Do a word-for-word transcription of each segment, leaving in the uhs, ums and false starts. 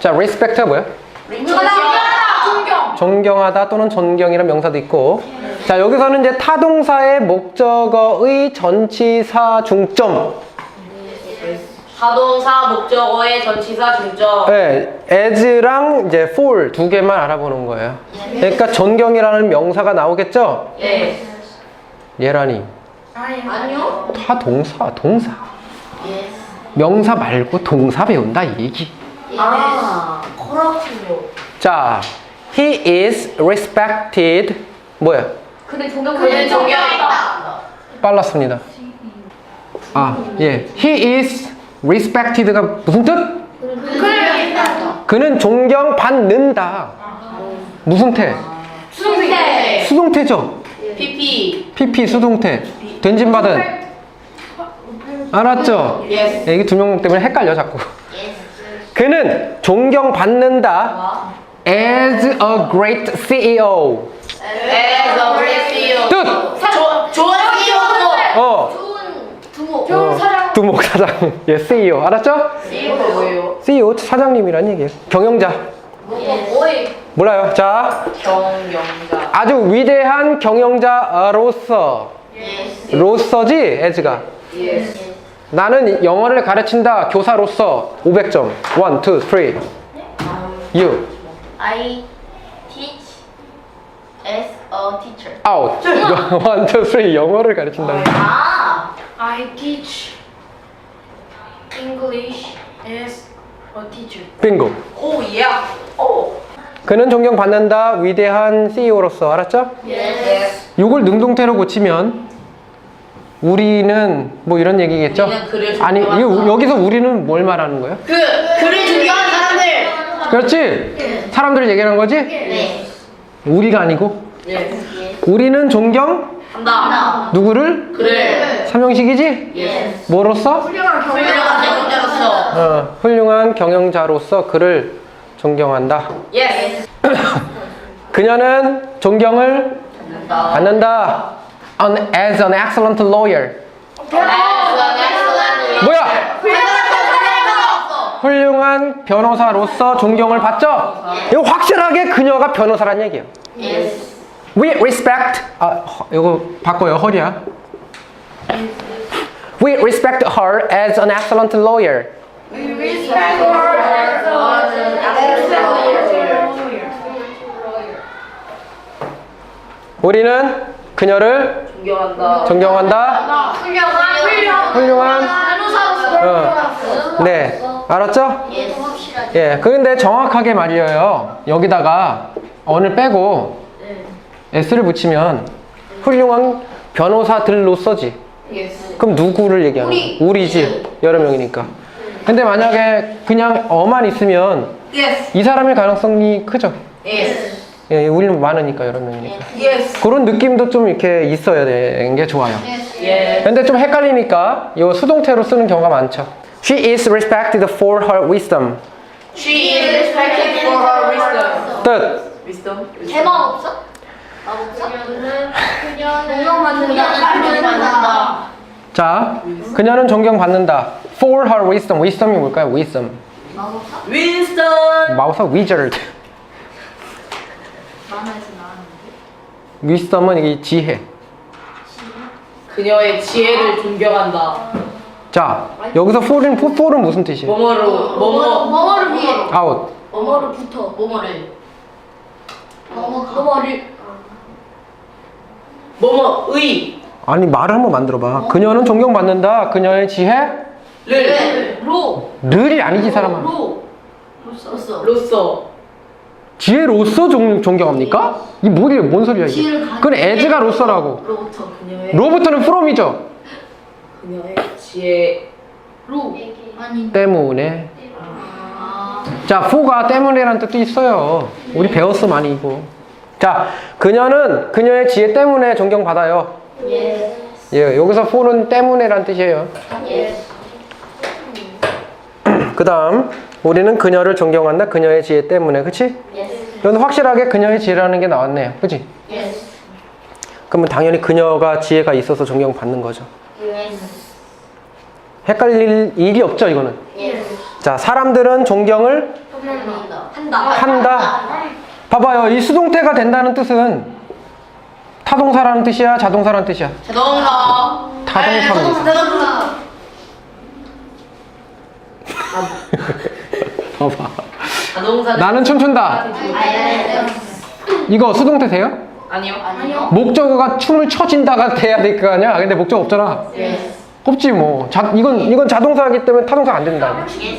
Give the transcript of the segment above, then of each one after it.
자, respect가 뭐야? 존경. 존경하다 또는 존경이란 명사도 있고. 자, 여기서는 이제 타동사의 목적어의 전치사 중점. 타동사 목적어의 전치사 중점. 네, as랑 이제 for 두 개만 알아보는 거예요. 그러니까 존경이라는 명사가 나오겠죠? 예. 예란이. 아니요. 타동사, 동사. 명사 말고 동사 배운다 이 얘기. 아, 그렇군요. 자, he is respected. 뭐야? 근데 존경. 그는 존경했다. 빨랐습니다. 아, 예. He is respected가 무슨 뜻? 그는 존경받는다. 무슨 태? 수동태. 수동태죠? 피피. 피피 수동태. 된진받은. 알았죠? Yes. 이게 두 명 때문에 헷갈려 자꾸. 그는 존경받는다. As a great 씨이오. As a great 씨이오. 뜻! 조, 좋은 씨이오도. 어. 두목. 어, 두목 사장. 예, 씨이오. 알았죠? 씨이오가 뭐예요? 씨이오 사장님이란 얘기예요. 경영자. 오이. 몰라요. 자, 경영자. 아주 위대한 경영자로서. 로서지, as가. Yes. 나는 영어를 가르친다. 교사로서 오백 점. 원, 투, 쓰리. You. I teach as a teacher. Out. 원, 투, 쓰리. 영어를 가르친다. 아. I teach English as a teacher. 빙고. 오, 예. 오. 그는 존경받는다. 위대한 씨이오로서. 알았죠? Yes. 이걸 능동태로 고치면 우리는 뭐 이런 얘기겠죠? 우리는 그를 아니, 존경한다. 이- 여기서 우리는 뭘 말하는 거예요? 그, 그를 존경하는 사람들. 그렇지? 사람들을 얘기하는 거지? 네. 우리가 아니고 예. 우리는 존경 한다. 누구를? 그를. 삼형식이지? 예. 뭐로서? 훌륭한 훌륭한 경영자로서. 어, 훌륭한 경영자로서 그를 존경한다. Yes. 그녀는 존경을 받는다. An, as an excellent lawyer. As an excellent 뭐야? 훌륭한 훌륭한 변호사로서 존경을 받죠? 이거 확실하게 그녀가 변호사란 얘기예요. Yes. We respect. 아, 허, 이거 바꿔요. 허리야. We respect her as an excellent lawyer. 우리는 그녀를 존경한다. 존경한다. 훌륭한 훌륭한 훌륭한. 변호사로서. 어. 네, 알았죠? 확실하게. 예. 그런데 정확하게 말이에요. 여기다가 언을 빼고 s를 붙이면 훌륭한 변호사들로서지. Yes. 그럼 누구를 얘기하는 거야? 우리지. 여러 명이니까. 근데 만약에 그냥 어만 있으면 Yes. 이 사람일 가능성이 크죠. Yes. 예, 우리는 많으니까 여러 명이니까. Yes. 그런 느낌도 좀 이렇게 있어야 되는 게 좋아요. 예. 근데 좀 헷갈리니까 이 수동태로 쓰는 경우가 많죠. She is respected for her wisdom. She is respected for her wisdom. 뜻. Wisdom? 대박 없어? 마법사? 존경받는다. 자, 그녀는 존경받는다. For her wisdom. wisdom이 뭘까요? wisdom. Winston. 마우사 wizard. wisdom은 이게 지혜. 그녀의 지혜를 존경한다. 자, 여기서 for은, for은 무슨 뜻이에요? 뭐뭐로 뭐뭐 뭐뭐를 위해. out. 뭐뭐를 붙어. 뭐뭐를. 뭐뭐를. 뭐뭐의 아니, 말을 한번 만들어봐. 그녀는 존경받는다. 그녀의 지혜를. 를 로. 이 아니지, 사람아. 로. 로써. 로서 지혜로서 존, 존경합니까? 이 뭐지? 뭔 소리야, 이게? 지혜를 가진 그건 as가 로서라고. 로부터. 그녀의 로부터는 from이죠? 그녀의 지혜 로. 아니. 때문에. 아. 자, for가 때문에라는 뜻도 있어요. 우리 배웠어, 많이 이거. 자, 그녀는 그녀의 지혜 때문에 존경받아요. 예. 예, 여기서 for는 때문에란 뜻이에요. 예. 그 다음, 우리는 그녀를 존경한다. 그녀의 지혜 때문에. 그치? 예. 이건 확실하게 그녀의 지혜라는 게 나왔네요. 그치? 예. 그러면 당연히 그녀가 지혜가 있어서 존경받는 거죠. 예. 헷갈릴 일이 없죠, 이거는. 예. 자, 사람들은 존경을 한다. 한다. 봐봐요. 이 수동태가 된다는 뜻은 타동사라는 뜻이야? 자동사라는 뜻이야? 자동차. 타동사입니다. 자동차. 봐봐. 자동차. 나는 춤춘다. 이거 수동태 돼요? 아니요. 아니요. 목적어가 춤을 춰진다가 돼야 될 거 아니야? 근데 목적 없잖아. 없지 뭐. 자, 이건 이건 자동사이기 때문에 타동사 안 된다.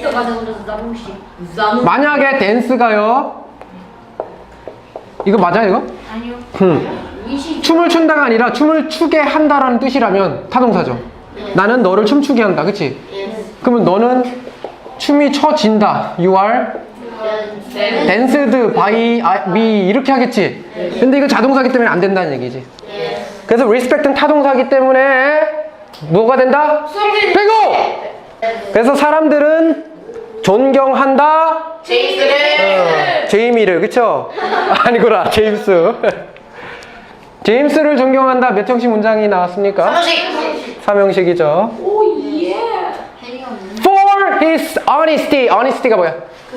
만약에 댄스가요. 이거 맞아 이거? 아니요. 음. 춤을 춘다가 아니라 춤을 추게 한다라는 뜻이라면 타동사죠. 나는 너를 춤추게 한다. 그치? 그러면 너는 춤이 춰진다. You are danced by me 이렇게 하겠지. 근데 이거 자동사기 때문에 안 된다는 얘기지. 그래서 respect는 타동사기 때문에 뭐가 된다? 빼고! 그래서 사람들은 존경한다. 제이스를. 어, 제이미를 그쵸? 아니구나 제임스. 제임스를 존경한다. 몇 형식 문장이 나왔습니까? 삼형식. 삼형식이죠. For his honesty. honesty가 뭐야?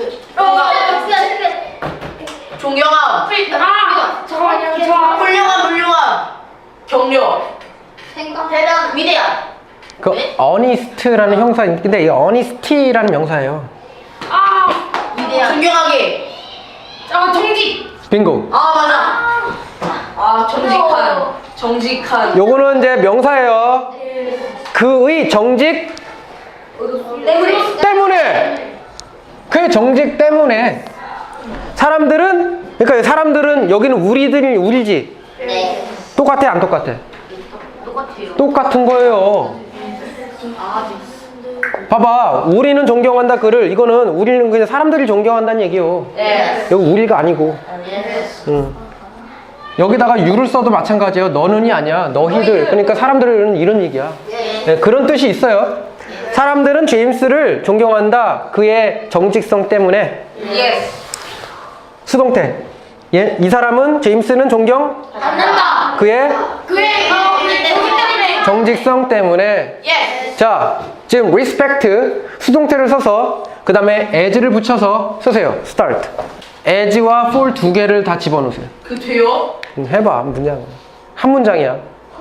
존경함. 잠깐만요. 저 훌륭함, 훌륭함. 격려. 생각. 대단. 위대한. 그 honest라는 형사 근데 이 honesty라는 명사예요. 아, 위대한. 존경하게. 아 정직. 빙고. 아, 맞아. 아, 정직한. 정직한. 요거는 이제 명사예요. 그의 정직 때문에. 그의 정직 때문에. 사람들은 그러니까 사람들은 여기는 우리들이 우리지. 네. 똑같아 안 똑같아? 똑같아요. 똑같은 거예요. 봐봐, 우리는 존경한다 그를 이거는 우리는 그냥 사람들을 존경한다는 얘기요. 네. 여기 우리가 아니고. 응. 여기다가 유를 써도 마찬가지예요. 너는이 아니야. 너희들. 그러니까 사람들은 이런 얘기야. 네, 그런 뜻이 있어요. 사람들은 제임스를 존경한다. 그의 정직성 때문에. 예스. 수동태. 예, 이 사람은 제임스는 존경 받는다. 그의 그의 때문에. 정직성 때문에. 예스. 자, 지금 respect 수동태를 써서 그 다음에 as를 붙여서 쓰세요. start. as와 for 두 개를 다 집어넣으세요. 그 돼요? 음, 해봐. 문장. 한 문장이야.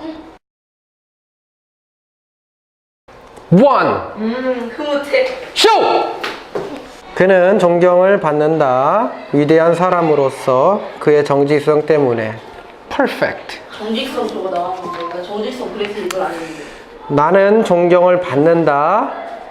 one. 음, 흐뭇해. show. 그는 존경을 받는다. 위대한 사람으로서 그의 정직성 때문에. perfect. 정직성 저거 나왔는데 나 정직성 그래서 이걸 안 했는데. 나는 존경을 받는다.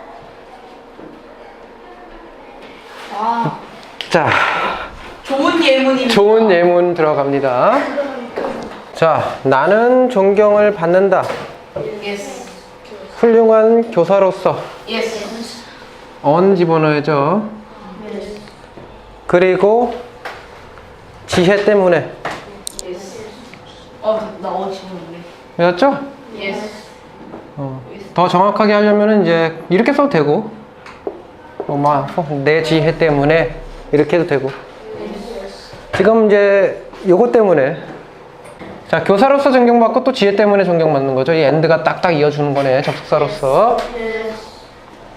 자, 좋은 예문이. 좋은 예문 들어갑니다. 자, 나는 존경을 받는다. 예스. 훌륭한 교사로서 예스. 언 집어넣어야죠. 그리고 지혜 때문에. 예스. 어, 나 어 지금 맞죠? 예스. 어, 더 정확하게 하려면 이제 이렇게 써도 되고, 어, 막, 어, 내 지혜 때문에 이렇게 해도 되고. 지금 이제 요거 때문에. 자, 교사로서 존경받고 또 지혜 때문에 존경받는 거죠. 이 엔드가 딱딱 이어주는 거네, 접속사로서.